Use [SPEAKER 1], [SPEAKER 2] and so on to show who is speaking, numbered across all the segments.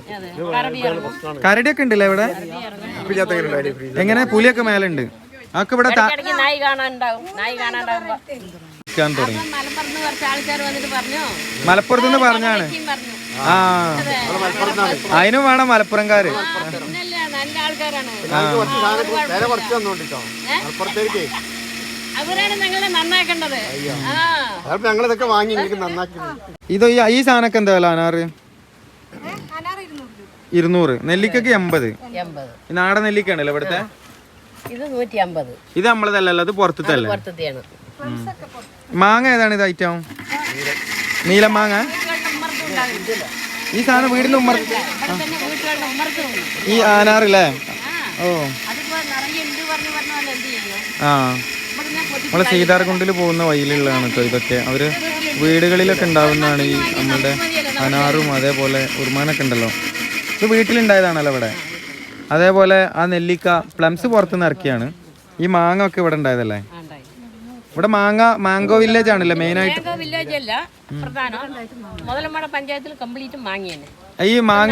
[SPEAKER 1] കരടിയൊക്കെ ഉണ്ടല്ലേ ഇവിടെ? എങ്ങനെ പുലിയൊക്കെ മേലുണ്ട്? അതൊക്കെ ഇവിടെ മലപ്പുറത്തുനിന്ന് പറഞ്ഞാണ്. ആ അതിനും വേണം മലപ്പുറംകാര്.
[SPEAKER 2] നല്ല ആൾക്കാരാണ്.
[SPEAKER 1] ഇത് ഈ സാധനമൊക്കെ എന്താ വില? അനാറ് 200, നെല്ലിക്കൊക്കെ 80. നാടൻ നെല്ലിക്ക ഉണ്ടല്ലോ ഇവിടുത്തെ? ഇത് നമ്മളതല്ലല്ലോ, അത് പുറത്തല്ലേ? മാങ്ങ ഏതാണ് ഇത് ഐറ്റം? നീല മാങ്ങ. ഈ സാധനം വീടിന്റെ ഉമ്മർ, ഈ ആനാറില്ലേ? ഓ ആ നമ്മളെ സീതാർകുണ്ടിൽ പോകുന്ന വഴിയിലുള്ളതാണ് കേട്ടോ ഇതൊക്കെ. അവര് വീടുകളിലൊക്കെ ഉണ്ടാവുന്നതാണ് ഈ നമ്മളുടെ അനാറും അതേപോലെ ഉറുമാനൊക്കെ ഉണ്ടല്ലോ. ഇത് വീട്ടിലുണ്ടായതാണല്ലോ ഇവിടെ. അതേപോലെ ആ നെല്ലിക്ക പ്ലംസ് പുറത്തുനിന്ന് ഇറക്കിയാണ്. ഈ മാങ്ങ ഒക്കെ ഇവിടെ ഉണ്ടായതല്ലേ? ഇവിടെ മാംഗോ വില്ലേജ് ആണല്ലോ മെയിൻ ആയിട്ട്. ഈ മാങ്ങ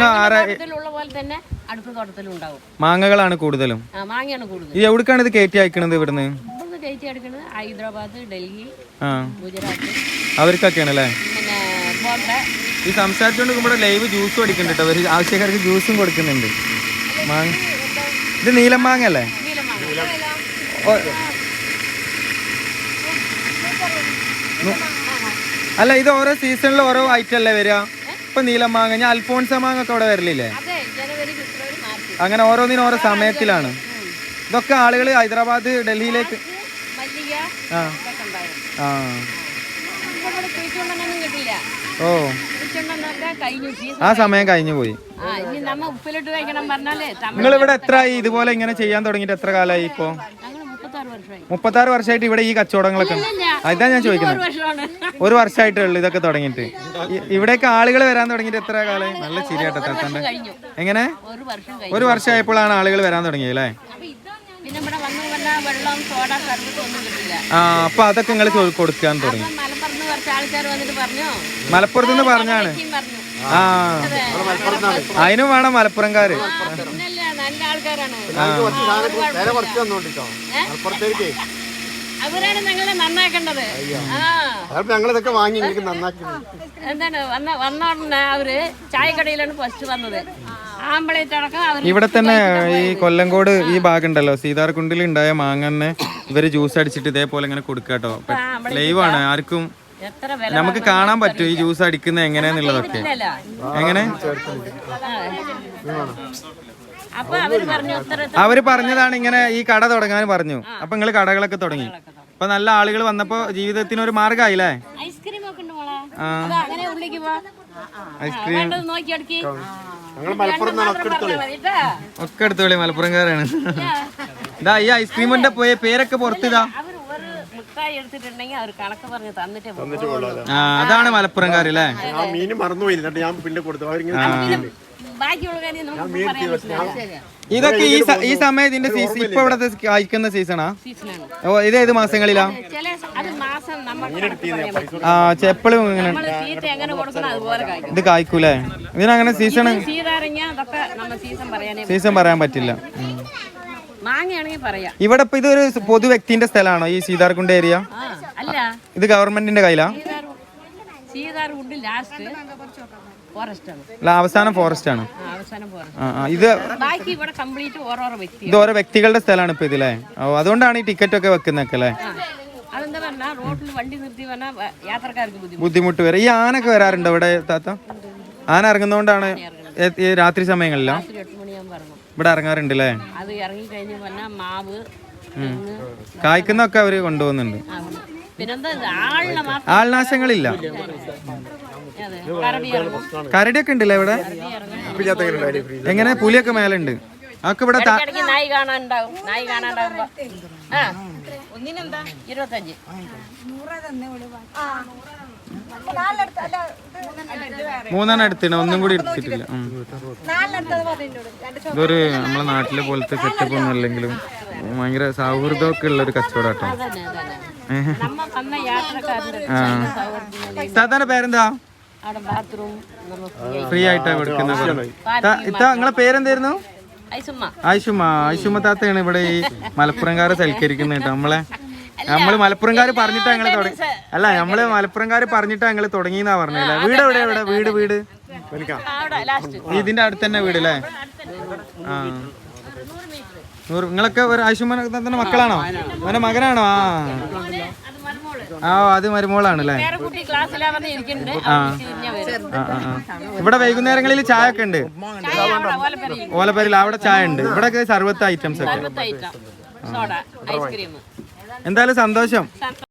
[SPEAKER 1] മാങ്ങകളാണ് കൂടുതലും. ഇത് എവിടേക്കാണ് ഇത് കയറ്റി അയക്കണത്? ഇവിടുന്ന്
[SPEAKER 2] ഹൈദരാബാദ്, ഡൽഹി, ഗുജറാത്ത്
[SPEAKER 1] അവർക്കൊക്കെയാണ് അല്ലേ? ഈ സംസാരിച്ചുകൊണ്ട് ഇവിടെ ലൈവ് ജ്യൂസ് കൊടുക്കുന്നുണ്ട് കേട്ടോ. അവർ ആവശ്യക്കാർക്ക് ജ്യൂസും കൊടുക്കുന്നുണ്ട്. മാങ്ങ ഇത് നീലം മാങ്ങ അല്ലേ? അല്ല, ഇത് ഓരോ സീസണിൽ ഓരോ ഐറ്റം അല്ലേ വരിക? ഇപ്പൊ നീലം മാങ്ങ, ഞാൻ അൽഫോൺസ മാങ്ങ ഒക്കെ ഇവിടെ വരലില്ലേ? അങ്ങനെ ഓരോന്നിനും ഓരോ സമയത്തിലാണ്. ഇതൊക്കെ ആളുകൾ ഹൈദരാബാദ്, ഡൽഹിയിലേക്ക്. ആ ആ ഓ ആ സമയം കഴിഞ്ഞു പോയി. നിങ്ങൾ ഇവിടെ എത്ര ഇതുപോലെ ഇങ്ങനെ ചെയ്യാൻ തുടങ്ങിയിട്ട് എത്ര കാലമായി? ഇപ്പോ 36 വർഷമായിട്ട് ഇവിടെ ഈ കച്ചവടങ്ങളൊക്കെ? അതാ ഞാൻ ചോദിക്കുന്നത്. 1 വർഷമായിട്ടേ ഉള്ളൂ ഇതൊക്കെ തുടങ്ങിയിട്ട്. ഇവിടേക്ക് ആളുകൾ വരാൻ തുടങ്ങിയിട്ട് എത്ര കാലമായി? നല്ല ശരിയാട്ടോ താത്തന്റെ. എങ്ങനെ 1 വർഷമായപ്പോഴാണ് ആളുകൾ വരാൻ തുടങ്ങിയത് അല്ലേ? ആ അപ്പൊ അതൊക്കെ നിങ്ങൾ കൊടുക്കാൻ തുടങ്ങി. മലപ്പുറത്തുനിന്ന് പറഞ്ഞാണ്. ആ അതിനും വേണം മലപ്പുറംകാര്.
[SPEAKER 2] നല്ല ആൾക്കാരാണ്. അവരാണ് ഞങ്ങളെ നന്നാക്കേണ്ടത്. എന്താണ് വന്ന ഉടനെ അവര് ചായക്കടയിലാണ് ഫസ്റ്റ് വന്നത്.
[SPEAKER 1] ഇവിടെ തന്നെ ഈ കൊല്ലങ്കോട് ഈ ഭാഗം ഉണ്ടല്ലോ, സീതാർകുണ്ടിൽ ഉണ്ടായ മാങ്ങനെ ഇവര് ജ്യൂസ് അടിച്ചിട്ട് ഇതേപോലെ ഇങ്ങനെ കൊടുക്കാട്ടോ. ലൈവാണ്, ആർക്കും നമുക്ക് കാണാൻ പറ്റും ഈ ജ്യൂസ് അടിക്കുന്നത് എങ്ങനെയാന്നുള്ളതൊക്കെ. എങ്ങനെ അവര് പറഞ്ഞതാണ് ഇങ്ങനെ ഈ കട തുടങ്ങാൻ പറഞ്ഞു. അപ്പൊ നിങ്ങള് കടകളൊക്കെ തുടങ്ങി. അപ്പൊ നല്ല ആളുകൾ വന്നപ്പോ ജീവിതത്തിന് ഒരു മാർഗമായില്ലേ? ഐസ്ക്രീം ഒക്കെ എടുത്തോളി, മലപ്പുറംകാരാണ്. ഇതാ ഈ ഐസ്ക്രീമിന്റെ പേരൊക്കെ പുറത്തിതാ. അതാണ് മലപ്പുറംകാരല്ലേ? ഇതൊക്കെ ഈ സമയം ഇതിന്റെ സീസൺ ഇപ്പൊ ഇവിടത്തെ കായ്ക്കുന്ന സീസണാ? ഓ ഇത് ഏത് മാസങ്ങളിലാ? ആ എപ്പോഴും ഇങ്ങനെ ഇത് കായ്ക്കൂലേ? ഇതിനങ്ങനെ സീസൺ പറയാൻ പറ്റില്ല. ഇവിടെ ഇപ്പൊ ഇതൊരു പൊതു വ്യക്തിന്റെ സ്ഥലമാണോ ഈ സീതാർകുണ്ട് ഏരിയ? ഇത് ഗവൺമെന്റിന്റെ കയ്യിലാ? അവസാനം ഫോറസ്റ്റ് ആണ്. ഇത് ഓരോ വ്യക്തികളുടെ സ്ഥലമാണ് ഇപ്പൊ ഇതില്ലേ? അതുകൊണ്ടാണ് ഈ ടിക്കറ്റ് ഒക്കെ വെക്കുന്നൊക്കെ അല്ലേ? ബുദ്ധിമുട്ട് വരെ. ഈ ആനൊക്കെ വരാറുണ്ടോ ഇവിടെ താത്ത? ആന ഇറങ്ങുന്നോണ്ടാണ് രാത്രി സമയങ്ങളിലോ ഇവിടെ ഇറങ്ങാറുണ്ട് അല്ലേ? കായ്ക്കുന്നൊക്കെ അവര് കൊണ്ടുപോകുന്നുണ്ട്. ആൾനാശങ്ങളില്ല. കരടിയൊക്കെ ഉണ്ടല്ലേ ഇവിടെ? എങ്ങനെ പുലിയൊക്കെ മേലുണ്ട്? അതൊക്കെ ഇവിടെ
[SPEAKER 2] നായി കാണാനുണ്ടാവും. നായി കാണാണ്ടാവുമ്പോ ഒന്നിനെന്താ 25.
[SPEAKER 1] മൂന്നെണ്ണം എടുത്തിട്ട് ഒന്നും കൂടി എടുത്തിട്ടില്ല. ഇതൊരു നമ്മളെ നാട്ടിലെ പോലത്തെ സെറ്റപ്പ് ഒന്നും അല്ലെങ്കിലും ഭയങ്കര സൗഹൃദമൊക്കെ ഉള്ള ഒരു കച്ചവടാട്ടോ. സാധാരണ പേരെന്താ?
[SPEAKER 2] അവിടെ ബാത്റൂം
[SPEAKER 1] ഫ്രീ ആയിട്ടാണ് കൊടുക്കുന്നത്. ഇത്ത നിങ്ങളെ പേരെന്തായിരുന്നു? ആയിഷുമ്മ താത്തയാണ് ഇവിടെ ഈ മലപ്പുറംകാരെ സൽക്കരിക്കുന്നത് കേട്ടോ. നമ്മള് മലപ്പുറംകാര് പറഞ്ഞിട്ടാ ഞങ്ങള് തുടങ്ങി. അല്ല, നമ്മള് മലപ്പുറംകാര് പറഞ്ഞിട്ടാ ഞങ്ങള് തുടങ്ങിയെന്നാ പറഞ്ഞല്ലേ. വീട് എവിടെ? വീട് ഇതിന്റെ അടുത്ത് തന്നെ വീട് അല്ലേ? ആ, നിങ്ങളൊക്കെ ഒരു ആയിഷുമ്മ താത്തന്റെ മക്കളാണോ? അവന്റെ മകനാണോ? അത് മരുമോളാണ് അല്ലേ? ഇവിടെ വൈകുന്നേരങ്ങളിൽ ചായ ഒക്കെ ഉണ്ട്. ഓലപ്പേരിൽ അവിടെ ചായ ഉണ്ട്. ഇവിടെ സർവത്ത് ഐറ്റംസ് ഒക്കെ. എന്തായാലും സന്തോഷം.